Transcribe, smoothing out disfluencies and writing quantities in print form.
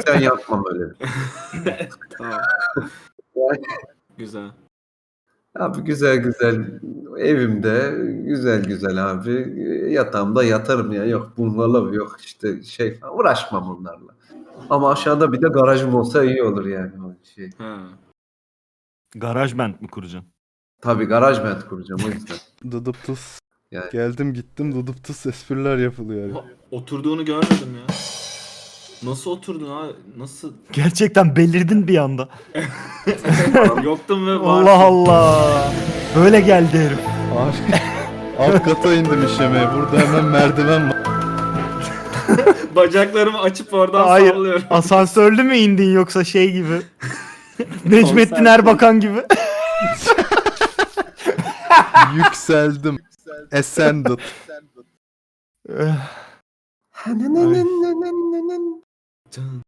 gerçekten yapmam öyle. Tamam. Güzel. Abi güzel güzel evimde güzel güzel abi yatağımda yatarım ya. Yok bungalov yok işte şey falan uğraşmam onlarla. Ama aşağıda bir de garajım olsa iyi olur yani o şey. Ha. Garaj band mi kuracaksın? Tabii garaj band kuracağım o yüzden. Dıdıp tıs. Yani. Geldim gittim dıdıp tıs espriler yapılıyor. Oha, oturduğunu görmedim ya. Nasıl oturdun abi? Nasıl? Gerçekten belirdin bir anda. Yoktum ve Allah Allah. Böyle geldi herif. Abi alt kata indim işemeye. Burada hemen merdiven var. Bacaklarımı açıp oradan Hayır. sallıyorum. Asansörlü mü indin yoksa şey gibi? Necmettin Konser- Erbakan gibi. Yükseldim. Ascended. Eh, Can.